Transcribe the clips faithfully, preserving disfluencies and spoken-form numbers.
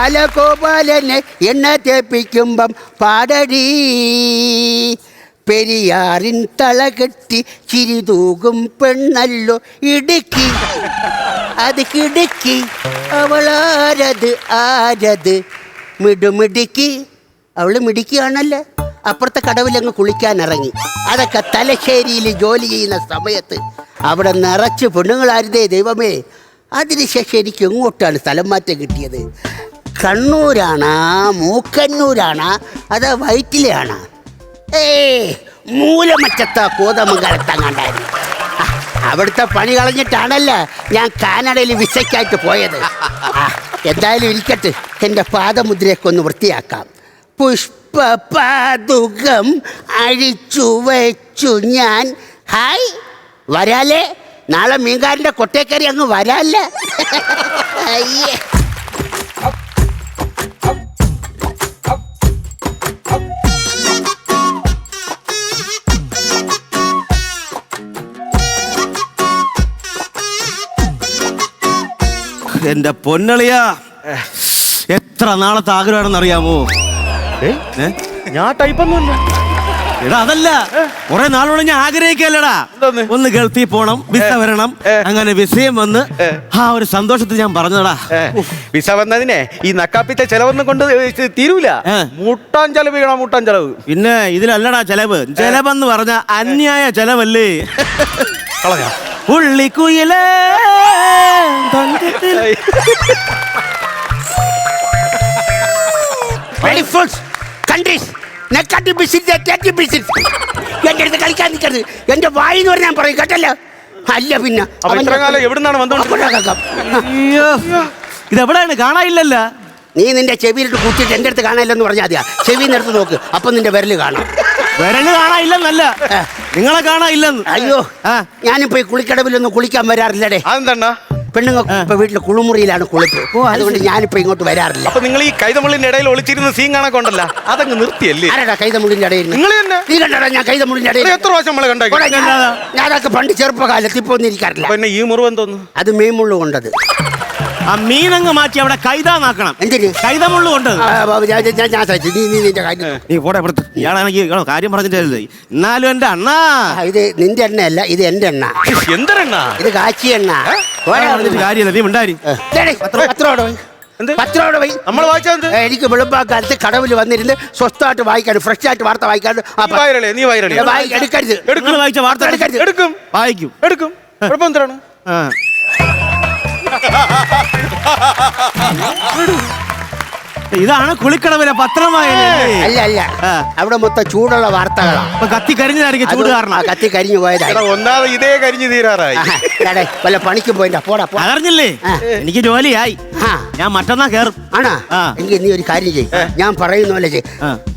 അല ഗോപാലനെ എണ്ണ തേപ്പിക്കുമ്പം പാടടി പെരിയാറിൻ തളകെട്ടി ചിരിതൂകും പെണ്ണല്ലോ ഇടുക്കി അത് കിടുക്കി അവളാരത് ആരത് മിടുമിടുക്കി അവള് മിടുക്കിയാണല്ലേ. അപ്പുറത്തെ കടവിലങ്ങ് കുളിക്കാൻ ഇറങ്ങി. അതൊക്കെ തലശ്ശേരിയിൽ ജോലി ചെയ്യുന്ന സമയത്ത് അവിടെ നിറച്ച് പെണ്ണുങ്ങളായിരുന്നേ ദൈവമേ. അതിനുശേഷം എനിക്ക് എങ്ങോട്ടാണ് സ്ഥലം മാറ്റം കിട്ടിയത്? കണ്ണൂരാണാ മൂക്കന്നൂരാണാ അതാ വയറ്റിലെയാണാ? ഏ മൂലമറ്റത്താ കോതമംഗലത്തങ്ങാണ്ടായിരുന്നു. അവിടുത്തെ പണി കളഞ്ഞിട്ടാണല്ലോ ഞാൻ കാനഡയിൽ വിസയ്ക്കായിട്ട് പോയത്. എന്തായാലും ഇരിക്കട്ടെ, എൻ്റെ പാദമുദ്രയൊക്കെ ഒന്ന് വൃത്തിയാക്കാം. പുഷ്പപാതുകം അഴിച്ചു വെച്ചു ഞാൻ. ഹായ് വരാലേ, നാളെ മീൻകാരൻ്റെ കൊട്ടേക്കറി അങ്ങ് വരാല്ലേ. അയ്യേ എന്റെ പൊന്നളിയാ, എത്ര നാളത്തെ ആഗ്രഹമാണെന്ന് അറിയാമോ? ഞാൻ ടൈപ്പൊന്നുമില്ല. എടാ അതല്ല, കുറെ നാളോടെ ഞാൻ ആഗ്രഹിക്കല്ലടാ, ഒന്ന് ഗൾഫിൽ പോണം, വിസ വരണം. അങ്ങനെ വിസയും വന്ന് ആ ഒരു സന്തോഷത്തിൽ ഞാൻ പറഞ്ഞതാ. വിസ വന്നതിനെ ഈ നക്കാപ്പിത്തെ ചെലവൊന്നും കൊണ്ട് തീരൂല. മുട്ടാൻ ചെലവ് ചെയ്യണം, മുട്ടാൻ ചെലവ്. പിന്നെ ഇതിലല്ലടാ ചെലവ്. ചെലവെന്ന് പറഞ്ഞ അന്യായ ചെലവല്ലേ. ഉള്ളിക്കുയിലേ എന്റെ അടുത്ത് കളിക്കാൻ നിൽക്കരുത്. എന്റെ വായിന്ന് പറഞ്ഞാൽ ഞാൻ പറയും കേട്ടല്ലോ. അല്ല പിന്നെ എവിടുന്നാണ് വന്നോണ്ട് ഇതെവിടെയാണ് കാണാനില്ലല്ല. നീ നിന്റെ ചെവിയിലിട്ട് കൂട്ടിയിട്ട് എന്റെ അടുത്ത് കാണാനില്ലെന്ന് പറഞ്ഞാൽ മതിയാ. ചെവിന്ന് എടുത്ത് നോക്ക്, അപ്പൊ നിന്റെ വിരല് കാണാം. വിരല് കാണാനില്ലെന്നല്ല, നിങ്ങളെ കാണാനില്ലെന്ന്. അയ്യോ, ഞാനിപ്പോ ഈ കുളിക്കടവിലൊന്നും കുളിക്കാൻ വരാറില്ലടേ. അതെന്താ? പെണ്ണുങ്ങൾ ഇപ്പൊ വീട്ടിൽ കുളിമുറിയിലാണ് കുളിപ്പ്. അതുകൊണ്ട് ഞാനിപ്പോ ഇങ്ങോട്ട് വരാറില്ല. അപ്പൊ നിങ്ങൾ ഈ കൈതമുള്ളിന്റെ ഇടയിൽ ഒളിച്ചിരുന്ന സീൻ കാണാൻ കൊണ്ടല്ല, അതങ്ങ് നിർത്തിയല്ലേ? ആരാടാ കൈതമുള്ളിന്റെ ഇടയിൽ? നിങ്ങൾ തന്നെ. നീ കണ്ടാടാ ഞാൻ കൈതമുള്ളിന്റെ ഇടയിൽ എത്ര പ്രാവശ്യം നമ്മളെ കണ്ടോ? ഞാൻ അതൊക്കെ പണ്ട് ചെറുപ്പകാലത്ത് ഇപ്പൊ ഒന്നും ഇരിക്കാറില്ല. പിന്നെ ഈ മുറിവ് തോന്നുന്നു അത് മീൻമുള്ളു കൊണ്ടത്. ആ മീനങ്ങ് മാറ്റി അവിടെ കൈതാന്നാക്കണം. എന്തിന്? കൈതമുള്ളു കൊണ്ടത്. നീ പോടെ ഇവിടുത്തെ. ഇയാളാണെങ്കിൽ കാര്യം പറഞ്ഞിട്ടല്ലേ. എന്നാലും എന്റെ അണ്ണാ, ഇത് നിന്റെ എണ്ണയല്ല, ഇത് എന്റെ എണ്ണ. എന്തെണ്ണ ഇത് കാച്ചി എണ്ണ. കാര്യമല്ല, നീ ഉണ്ടായി. നമ്മൾ വായിച്ചത് എനിക്ക് വെളുപ്പാക്കാലത്ത് കടവിൽ വന്നിരുന്ന് സ്വസ്ഥമായിട്ട് വായിക്കാൻ, ഫ്രഷ് ആയിട്ട് വാർത്ത വായിക്കാൻ. നീ വൈരളി എടുക്കരുത്. നിങ്ങൾ വായിച്ച വാർത്ത എടുക്കരുത്. എടുക്കും, വായിക്കും, എടുക്കും. കുഴപ്പം എന്താണ്? ഇതാണ് കുളിക്കടവിലെ പത്രമായ. അല്ല അല്ല, അവിടെ മൊത്തം ചൂടുള്ള വാർത്തകളാണ്. കത്തി കരിഞ്ഞതായിരിക്കും ചൂട് കാരണം. കത്തി കരിഞ്ഞു പോയതാണ്. ഒന്നാമത് ഇതേ കരിഞ്ഞു തീരാറായി. വല്ല പണിക്ക് പോയിട്ടാ പോടാ. അതറിഞ്ഞില്ലേ, എനിക്ക് ജോലിയായി. ഞാൻ മറ്റന്നാ കേറും. ആണോ? എങ്കിൽ നീ ഒരു കാര്യം ചെയ്യ്, ഞാൻ പറയുന്ന പോലെ ചെയ്യ്.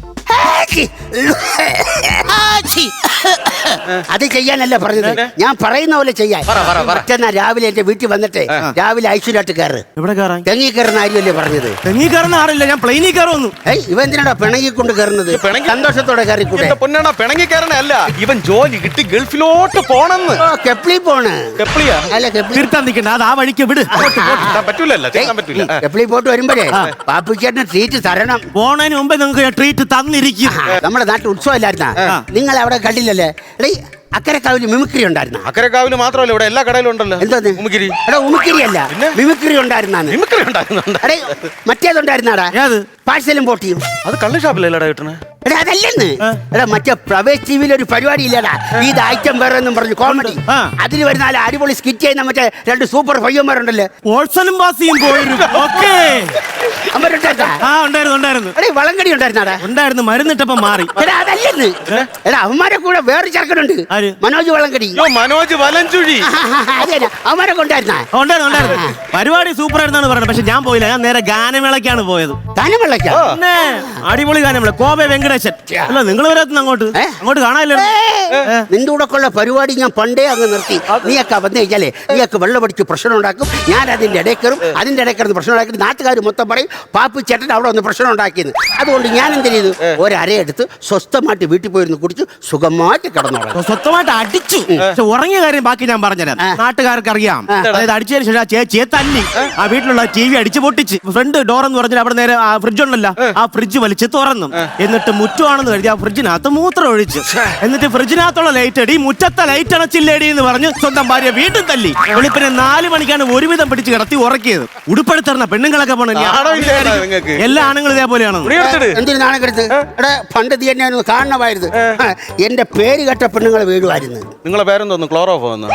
അത് ചെയ്യാനല്ല പറഞ്ഞത്, ഞാൻ പറയുന്ന പോലെ ചെയ്യാൻ. മറ്റന്നാ രാവിലെ എന്റെ വീട്ടിൽ വന്നിട്ട് രാവിലെ ഐശ്വര്യമായിട്ട് കയറ്. എവിടെ കയറാൻ? തെങ്ങി കയറുന്ന കാര്യമല്ലേ പറഞ്ഞത്? തെങ്ങി കയറുന്ന ആറില്ല, ഞാൻ പ്ലെയിനിൽ കയറുന്നു. ഏയ് ഇവ എന്തിനാടാ പിണങ്ങി കൊണ്ട് കയറുന്നത്? സന്തോഷത്തോടെ കയറിക്കൂടെ? പൊന്നാണോ പിണങ്ങി കയറണല്ല, ഇവൻ ജോലി കിട്ടി ഗൾഫിലോട്ട് പോണെന്ന്. കെപ്ലി പോണ്. കെപ്ലിയാ? അല്ല കെപ്ലി തീർത്താൻ നിൽക്കണ്ട, അത് ആ വഴിക്ക് വിട്. പറ്റൂലല്ലോ, പറ്റൂല. കെപ്ലി പോട്ട് വരുമ്പോഴേ പാപ്പിച്ചേട്ടന് ട്രീറ്റ് തരണം. പോണതിന് മുമ്പേ നിങ്ങൾക്ക് ട്രീറ്റ് തന്നിരിക്കും. നമ്മുടെ നാട്ടിൽ ഉത്സവം ഇല്ലായിരുന്ന നിങ്ങൾ അവിടെ കണ്ടില്ലല്ലേ? അക്കരക്കാവില് മിമിക്രി ഉണ്ടായിരുന്ന? അക്കരക്കാവില് മാത്രമല്ല, ഇവിടെ എല്ലാ കടയിലും ഉണ്ടല്ലോ. എന്തോന്ന് മിമിക്രി? എടാ ഉമിക്രി അല്ല, മിമിക്രി ഉണ്ടായിരുന്നാണ്. മിമിക്രി ഉണ്ടായിരുന്നുണ്ട്. മറ്റേതുണ്ടായിരുന്നാടാ, പാഴ്സലും പോട്ടിയും. അത് കള്ള് ഷാപ്പിലല്ലടാ കിട്ടണേ. എടാ അതല്ലെന്ന്. എടാ മറ്റേ പ്രവേശ് ടിവിയിൽ ഒരു പരിപാടി ഇല്ലടാ, ഇത് ഐറ്റം വേറെ എന്നും പറഞ്ഞു കോമഡി. അതിൽ വരുന്ന അടിപൊളി സ്കിറ്റ് ചെയ്യുന്ന മറ്റേ രണ്ട് സൂപ്പർ പയ്യന്മാരുണ്ടല്ലോ. വളങ്കടി ഉണ്ടായിരുന്നാടാ? ഉണ്ടായിരുന്നു, മരുന്നിട്ടപ്പം മാറി. എടാ അതല്ലെന്ന്. എടാ അവന്മാരെ കൂടെ വേറെ ചെറുക്കനുണ്ട്, മനോജ് വളങ്കടി. മനോജ് വലഞ്ചുഴി. അതെ, അവന്മാരെ കൊണ്ടായിരുന്ന? ഉണ്ടായിരുന്നു. പരിപാടി സൂപ്പർ ആയിരുന്നാണ് പറഞ്ഞത്, പക്ഷെ ഞാൻ പോയില്ല. ഞാൻ നേരെ ഗാനമേളക്കാണ് പോയത്. ഗാനമേളക്കാ? അടിപൊളി ഗാനമേള, കോവെ വെങ്കടേശൻ. അല്ല നിങ്ങൾ വരാത്തുന്ന അങ്ങോട്ട് അങ്ങോട്ട് കാണാനില്ല. നിന്റെ കൂടെ ഉള്ള പരിപാടി ഞാൻ പണ്ടേ അങ്ങ് നിർത്തി. നീയൊക്കെ വന്നു കഴിഞ്ഞാലേ നീയൊക്കെ വെള്ളം പഠിച്ച് പ്രശ്നം ഉണ്ടാക്കും. ഞാൻ അതിന്റെ ഇടയിൽ കയറും, അതിന്റെ ഇടയിൽ കിടന്ന് പ്രശ്നം ഉണ്ടാക്കി നാട്ടുകാർ മൊത്തം പറയും പാപ്പി ചേട്ടൻ അവിടെ ഒന്ന് പ്രശ്നം ഉണ്ടാക്കിയത്. അതുകൊണ്ട് ഞാൻ എന്ത് ചെയ്തു, ഒരരയെടുത്ത് സ്വസ്ഥമായിട്ട് വീട്ടിൽ പോയിരുന്നു കുടിച്ചു സുഖമായിട്ട് കിടന്നുറങ്ങി. സ്വന്തമായിട്ട് അടിച്ചു. പക്ഷെ ഉറങ്ങിയ കാര്യം ബാക്കി ഞാൻ പറഞ്ഞുതരാം. നാട്ടുകാർക്ക് അറിയാം. അതായത് അടിച്ചതിന് ശേഷം ആ ചേച്ചിയെ തല്ലി ആ വീട്ടിലുള്ള ടി വി അടിച്ചു പൊട്ടിച്ച് ഫ്രണ്ട് ഡോർ എന്ന് പറഞ്ഞാൽ അവിടെ നേരെ ആ ഫ്രിഡ്ജ് ഉണ്ടല്ലോ, ആ ഫ്രിഡ്ജ് വലിച്ച് തുറന്നു. എന്നിട്ട് മുറ്റമാണെന്ന് കരുതി ആ ഫ്രിഡ്ജിനകത്ത് മൂത്രം ഒഴിച്ചു. എന്നിട്ട് ഫ്രിഡ്ജിനകത്തുള്ള ലൈറ്റ് അടി, മുറ്റത്തെ ലൈറ്റ് അണച്ചില്ലേടി എന്ന് പറഞ്ഞ് സ്വന്തം ഭാര്യ വീണ്ടും തല്ലി. വെളുപ്പിനെ നാല് മണിക്കാണ് ഒരുവിധം പിടിച്ച് കിടത്തി ഉറക്കിയത്. ഉടുപ്പെടുത്തറിന പെണ്ണുങ്ങളൊക്കെ പോണ എല്ലാ ആണുങ്ങളും ഇതേപോലെയാണ്. എന്തിനു നാണക്കെടുത്ത് എടാ, പണ്ട് തീ എന്നെ കാണണമായിരുന്നു. എന്റെ പേര് കേട്ട പെണ്ണുങ്ങളെ വീടുമായിരുന്നു. നിങ്ങളെ പേരെന്തോന്നു? ക്ലോറോഫോ എന്ന്.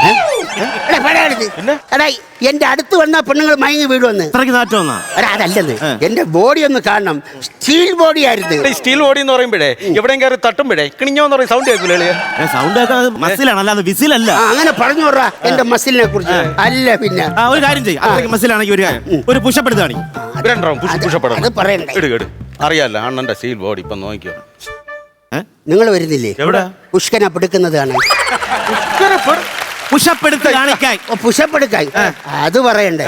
എടാ, എന്റെ അടുത്ത് വന്ന പെണ്ണുങ്ങൾ മയങ്ങി വീടുവന്ന്. അത്രയ്ക്ക് നാറ്റം എടാ, അതല്ലെന്ന് എന്റെ ബോഡി ഒന്ന് കാണണം. സ്റ്റീൽ ബോഡി ആയിരുന്നു. സ്റ്റീൽ ബോഡി എന്ന് പറയുമ്പോഴേ എവിടെയും കയറി തട്ടുമ്പോഴേ കിണിഞ്ഞോന്ന് പറയും സൗണ്ട് കേൾക്കില്ലേ? സൗണ്ട് മസിലാണ്, അല്ലാതെ വിസിലല്ല. അങ്ങനെ പറഞ്ഞു വിടാ എന്റെ മസിലിനെ കുറിച്ച്. അല്ല പിന്നെ ഒരു കാര്യം ചെയ്യും, അത്രയ്ക്ക് മസിലാണെങ്കിൽ ഒരു കാര്യം ഒരു പുഷപ്പ് എടുത്താണ്. അറിയാല്ല അണ്ണന്റെ സ്റ്റീൽ ബോഡി ഇപ്പൊ നോക്കിയോ. നിങ്ങൾ വരുന്നില്ലേ എവിടെ? പുഷ്കനെ പെടുക്കുന്നതാണ്. പുഷപ്പ് എടുത്ത് കാണിക്കാൻ. പുഷപ്പ് എടുക്കാൻ അത് പറയണ്ടേ?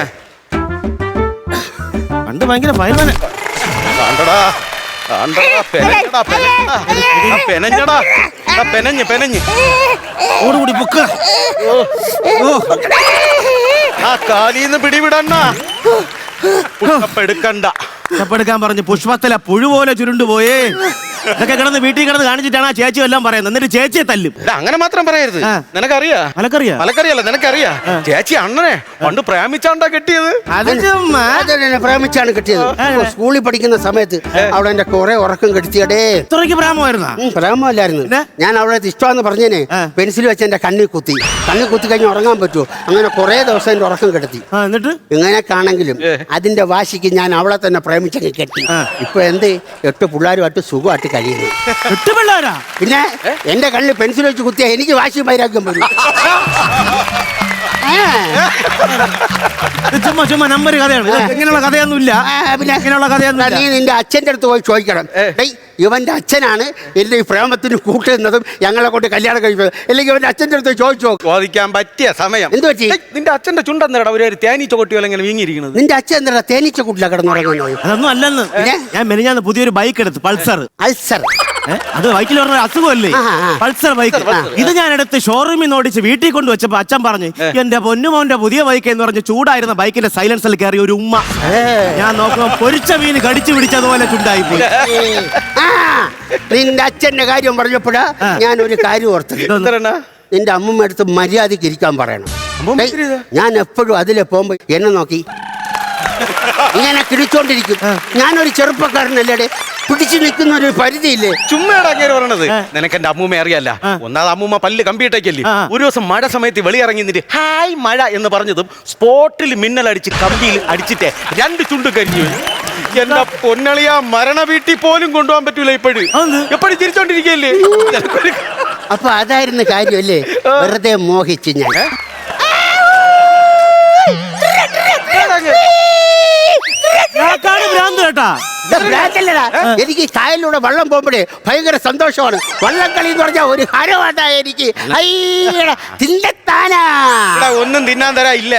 പണ്ട് ഭയങ്കര ഫയൽമാന്. ഓടുകൂടി പൊക്ക. ആ കാലീന്ന് പിടിവിടണ്ണ. എടുക്കണ്ട. പുഷ്പെടുക്കാൻ പറഞ്ഞ് പുഷ്പത്തില പുഴു പോലെ ചുരുണ്ടുപോയേ. ഇതൊക്കെ കിടന്ന് വീട്ടിൽ കിടന്ന് കാണിച്ചിട്ടാണ് ആ ചേച്ചി എല്ലാം പറയുന്നത്. എന്നിട്ട് ചേച്ചിയെ തല്ലും. അങ്ങനെ മാത്രം പറയരുത്. നിനക്കറിയാ? മലക്കറിയാ? മലക്കറിയല്ല, നിനക്കറിയാ? ചേച്ചി അണ്ണനെ പണ്ട് പ്രേമിച്ചാണ്ടാ കെട്ടിയത്. പ്രേമിച്ചാണ് കെട്ടിയത്. സ്കൂളിൽ പഠിക്കുന്ന സമയത്ത് അവിടെ എന്റെ കുറെ ഉറക്കം കെടുത്തിയടേ. ഇത്രയ്ക്ക് പ്രേമമായിരുന്ന? പ്രേമല്ലായിരുന്നു. ഞാൻ അവളെ ഇഷ്ടമാന്ന് പറഞ്ഞേനെ പെൻസിൽ വെച്ച് എന്റെ കണ്ണിൽ കുത്തി. കണ്ണിൽ കുത്തി കഴിഞ്ഞ് ഉറങ്ങാൻ പറ്റുമോ? അങ്ങനെ കുറെ ദിവസം എന്റെ ഉറക്കം കെടുത്തി. എന്നിട്ട് ഇങ്ങനെയൊക്കെയാണെങ്കിലും അതിന്റെ വാശിക്ക് ഞാൻ അവളെ തന്നെ പ്രേമിച്ചങ്ങ് കെട്ടി. ഇപ്പൊ എന്ത് എട്ട് പിള്ളേരുമായിട്ട് സുഖമായിട്ട് കഴിയുന്നു. എട്ട് പിള്ളേരാ? പിന്നെ എന്റെ കണ്ണിൽ പെൻസിൽ വെച്ച് കുത്തിയാ എനിക്ക് വാശി വൈരാഗ്യം വരും. ചുമ്മാ ചുമ്മാ നമ്പർ കഥയാണ്. ഇങ്ങനെയുള്ള കഥയൊന്നുമില്ല. പിന്നെ ഇങ്ങനെയുള്ള കഥയൊന്നും നീ നിന്റെ അച്ഛന്റെ അടുത്ത് പോയി ചോദിക്കണം. ഇവന്റെ അച്ഛനാണ് എന്റെ ഈ പ്രേമത്തിന് കൂട്ടുന്നതും ഞങ്ങളെ കൊണ്ട് കല്യാണം കഴിക്കുന്നത്. അല്ലെങ്കിൽ ഇവന്റെ അച്ഛന്റെ അടുത്ത് ചോദിച്ചോ. ചോദിക്കാൻ പറ്റിയ സമയം എന്ത് പറ്റി? നിന്റെ അച്ഛന്റെ ചുണ്ടെന്നടാ ഒരു തേനീച്ച കൊട്ടിയോ ഇങ്ങനെ വീങ്ങിയിരിക്കുന്നത്. നിന്റെ അച്ഛൻ എന്താ തേനീച്ച കൂട്ടില കിടന്നുറങ്ങുന്നത്? അതൊന്നും അല്ലെന്ന്. ഞാൻ മെനിഞ്ഞാന്ന് പുതിയൊരു ബൈക്ക് എടുത്ത് പൾസർ. പൾസർ അത് ബൈക്കിൽ പറഞ്ഞ അസുഖമല്ലേ? Pulsar bike. ഇത് ഞാൻ എടുത്ത് ഷോറൂമിൽ നിന്ന് ഓടിച്ച് വീട്ടിൽ കൊണ്ട് വെച്ചപ്പോ അച്ഛൻ പറഞ്ഞു എന്റെ പൊന്നുമോന്റെ പുതിയ ബൈക്ക് എന്ന് പറഞ്ഞ് ചൂടായിരുന്ന ബൈക്കിന്റെ സൈലൻസിൽ കയറി ഒരു ഉമ്മ. ഞാൻ നോക്കുമ്പോ പൊരിച്ച മീൻ കടിച്ചു പിടിച്ചതുപോലെ ചുണ്ടായി പോയി. നിന്റെ അച്ഛന്റെ കാര്യം പറഞ്ഞപ്പോഴാ ഞാൻ ഒരു കാര്യം ഓർത്തത്. നിന്റെ അമ്മൂമ്മ അടുത്ത് മര്യാദക്ക് ഇരിക്കാൻ പറയണം. ഞാൻ എപ്പോഴും അതിലെ പോകുമ്പോ എന്നെ നോക്കി ഇങ്ങനെ കിടിച്ചോണ്ടിരിക്കും. ഞാനൊരു ചെറുപ്പക്കാരനല്ലേ, പിടിച്ചു നിൽക്കുന്ന ഒരു പരിധിയില്ലേ. ചുമ്മാടാക്കിയാണ് പറയണത്. നിനക്ക് എന്റെ അമ്മൂമ്മ അറിയാല്ല. ഒന്നാമത് അമ്മൂമ്മ പല്ല് കമ്പിയിട്ടേക്കല്ലേ. ഒരു ദിവസം മഴ സമയത്ത് വെളിയിറങ്ങി നിന്നിട്ട് ഹായ് മഴ എന്ന് പറഞ്ഞതും സ്പോട്ടിൽ മിന്നലടിച്ച് കമ്പിയിൽ അടിച്ചിട്ടേ രണ്ട് ചുണ്ട് കരിഞ്ഞു. എന്റെ പൊന്നളിയ മരണ വീട്ടിൽ പോലും കൊണ്ടുപോകാൻ പറ്റൂല. ഇപ്പോഴും എപ്പോഴും ചിരിച്ചോണ്ടിരിക്കല്ലേ. അപ്പൊ അതായിരുന്നു കാര്യമല്ലേ? വെറുതെ മോഹിച്ച് ഞാൻ. എനിക്ക് കായലിലൂടെ വെള്ളം പോകുമ്പോഴേ ഭയങ്കര സന്തോഷമാണ്. വള്ളം കളി എന്ന് പറഞ്ഞാൽ ഒരു ഹരവാട്ടാ എനിക്ക്. ഒന്നും തിന്നാൻ തരാ ഇല്ല.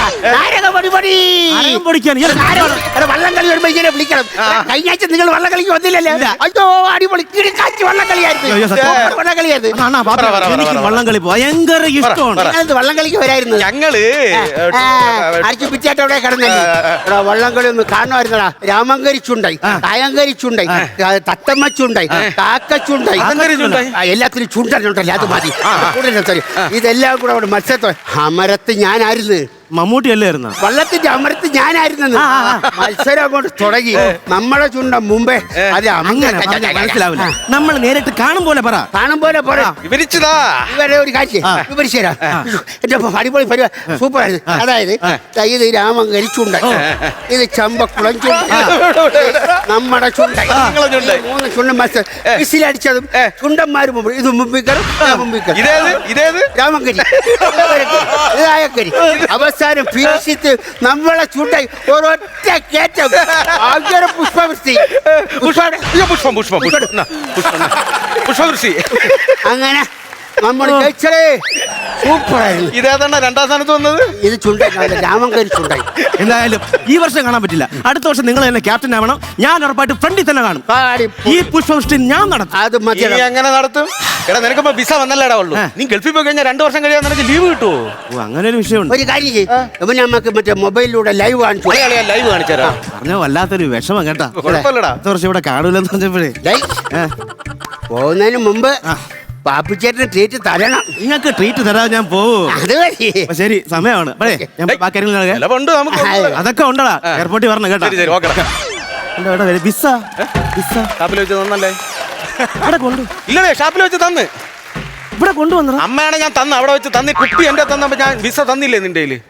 വള്ളം കളി വരുമ്പോ ഇങ്ങനെ വിളിക്കണം. കഴിഞ്ഞ ആഴ്ച നിങ്ങൾ വള്ളം കളിക്ക് വന്നില്ലല്ലേ? അയ്യോ അടിപൊളി കിടക്കാച്ചി വള്ളം കളിയായിരുന്നു. എനിക്ക് വള്ളംകളി ഭയങ്കര ഇഷ്ടമാണ്. വള്ളം കളിക്ക് വരായിരുന്നു ഞങ്ങള്. അടിച്ചു പിച്ചായിട്ട് അവിടെ കിടന്നല്ലേ. വള്ളം കളി ഒന്ന് കാണുമായിരുന്നടാ. രാമങ്കരി ചുണ്ടായി, കായങ്കരി ചുണ്ടായി, തത്തമ്മ ചുണ്ടായി, കാക്ക ചുണ്ടായി, എല്ലാത്തിനും ചുണ്ടനുണ്ടല്ലോ. അത് മതി. ഇതെല്ലാം കൂടെ അവിടെ മത്സരത്തോ അമരത്ത് ഞാനായിരുന്നു. മമ്മൂട്ടി അല്ലായിരുന്ന വള്ളത്തിന്റെ അമരത്ത് ഞാനായിരുന്നു. മത്സരം അങ്ങോട്ട് തുടങ്ങി. നമ്മളെ ചുണ്ട മുമ്പേ അത് മനസ്സിലാവില്ല. നമ്മൾ നേരിട്ട് കാണും പോലെ പറ. കാണും പോലെ പറ. വിവരിച്ചതാ ഇവരെ ഒരു കാര്യം വിവരിച്ചു തരാം. എന്റെ അടിപൊളി പരിപാടി സൂപ്പർ ആയിരുന്നു. അതായത് ഇത് രാമങ്കരി ചുണ്ടായി, ഇത് ചമ്പക്കുളം ചുണ്ടായി, നമ്മുടെ ചുണ്ടായി. മൂന്ന് ചുണ്ടൻ മത്സരം വിസിലടിച്ചതും ചുണ്ടന്മാര് മുമ്പ് ഇത് മുമ്പിക്കറും മുമ്പിക്കറും. രാമങ്കരി ഇതായക്കരി അവസ്ഥ ഫിനിഷിത്ത് നമ്മളെ ചൂണ്ടായി ഒരൊറ്റ കേറ്റം. പുഷ്പവൃഷ്ടി പുഷ്പം പുഷ്പം പുഷ്പം പുഷ്പവൃഷ്ടി. അങ്ങനെ നമ്മൾ ജയിച്ചേ സൂപ്പറായിരുന്നു. ഇതേതാണ് രണ്ടാം സ്ഥാനത്ത് വന്നത്? ഇത് ചുണ്ടായി, രാമങ്കരി ചുണ്ടായി. എന്തായാലും ഈ വർഷം കാണാൻ പറ്റില്ല. അടുത്ത വർഷം നിങ്ങൾ തന്നെ ക്യാപ്റ്റൻ ആവണം. ഞാൻ ഉറപ്പായിട്ട് ഫ്രണ്ടിൽ തന്നെ കാണും. ഈ പുഷ്പവൃഷ്ടി ഞാൻ നടത്തും. അത് മതി. നീ എങ്ങനെ നടത്തും? എടാ നിനക്കിപ്പോ വിസ വന്നല്ലേടാ ഉള്ളൂ. നീ ഗൾഫിൽ പോയി കഴിഞ്ഞാൽ രണ്ടു വർഷം കഴിയാൻ നിനക്ക് ലീവ് കിട്ടുമോ? ഓ, അങ്ങനെ ഒരു വിഷയമുണ്ട്. ഒരു കാര്യം ചെയ്യും, നമുക്ക് മറ്റേ മൊബൈലിലൂടെ ലൈവ് കാണിച്ചു. ലൈവ് കാണിച്ചാ പറഞ്ഞ വല്ലാത്തൊരു വിഷമം കേട്ടാ. കുഴപ്പമില്ലടാ. അടുത്ത വർഷം ഇവിടെ കാണൂലെന്ന് പറഞ്ഞപ്പോഴേ ഡേയ്, പോകുന്നതിന് മുമ്പ് പാപ്പിച്ചേട്ടന് ട്രീറ്റ് തരണം. നിങ്ങൾക്ക് ട്രീറ്റ് തരാതെ ഞാൻ പോവൂ. അത് മതി. അപ്പൊ ശരി, സമയമാണ്. അപ്പഴേ ഞാൻ ബാക്കി കാര്യങ്ങൾ നടക്കാം. ചിലവുണ്ട് നമുക്ക്. അതൊക്കെ ഉണ്ടടാ, എയർപോർട്ടിൽ വരണം കേട്ടോ. ശരി ശരി ഓക്കെ. എന്താ ഇവിടെ വരെ വിസ വിസ ഷാപ്പിൽ വെച്ച് തന്നല്ലേ? ഇവിടെ കൊണ്ടു ഇല്ലടേ, ഷാപ്പിൽ വെച്ച് തന്ന്. ഇവിടെ കൊണ്ടുവന്നടാ. അമ്മയാണ് ഞാൻ തന്ന, അവിടെ വെച്ച് തന്നി. കുപ്പി എന്റെ തന്നപ്പോ ഞാൻ വിസ തന്നില്ലേ നിന്റെ കയ്യില്?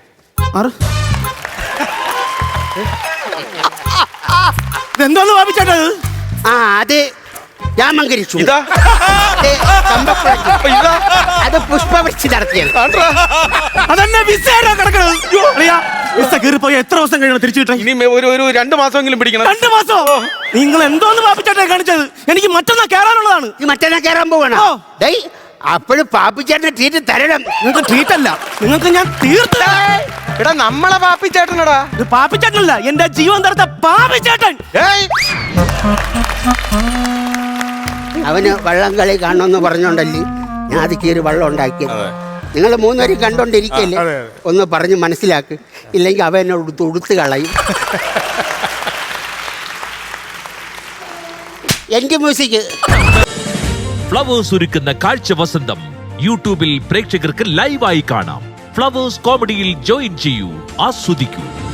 ഇതെന്തോന്ന് പാപ്പിച്ചേട്ടാ ഇത്? ആ അത് രാമങ്കരി ചുണ്ട. ഇതാ ഇത് ചമ്പക്കുളം ചുണ്ട. അപ്പൊ ഇതാ അത് പുഷ്പവൃഷ്ടി നടത്തിയത്. ആണ്ട്രാ. അതന്നെ വിസയാണോ കിടക്കണത്? അറിയാ, വിസ കീറിപ്പോയി എത്ര ദിവസം കഴിയണം തിരിച്ചു കിട്ടാൻ? ഇനി ഒരു ഒരു രണ്ടു മാസമെങ്കിലും പിടിക്കണം. രണ്ടു മാസോ? നിങ്ങൾ എന്തോന്ന് പാപ്പിച്ചേട്ടാ കാണിച്ചത്? എനിക്ക് മറ്റന്നാ കയറാനുള്ളതാണ്. ഈ മറ്റന്നാ കയറാൻ പോവണ. ഓ. ഡേയ്, അപ്പോഴും പാപ്പിച്ചേട്ടന് ട്രീറ്റ് തരണം. നിങ്ങൾക്ക് ട്രീറ്റ് അല്ല, നിങ്ങൾക്ക് ഞാൻ തീർത്ത. എടാ നമ്മളെ പാപ്പിച്ചേട്ടനടാ. ഇത് പാപ്പിച്ചേട്ടനല്ല, എന്റെ ജീവൻ തടുത്ത പാപ്പിച്ചേട്ടൻ. ഏയ് അവന് വള്ളം കളി കാണണമെന്ന് പറഞ്ഞോണ്ടല്ലേ ഞാൻ അത് കീറി വള്ളം ഉണ്ടാക്കിയത്. നിങ്ങൾ മൂന്നുപേരും കണ്ടോണ്ടിരിക്കല്ലേ, ഒന്ന് പറഞ്ഞ് മനസ്സിലാക്ക്. ഇല്ലെങ്കിൽ അവ എന്നെ ഉടുത്ത് ഉടുത്ത് കളയും. എന്റെ മ്യൂസിക് ഫ്ലവേഴ്സ് ഒരുക്കുന്ന കാഴ്ച വസന്തം യൂട്യൂബിൽ പ്രേക്ഷകർക്ക് ലൈവായി കാണാം. ഫ്ലവേഴ്സ് കോമഡിയിൽ ജോയിൻ ചെയ്യൂ, ആസ്വദിക്കൂ.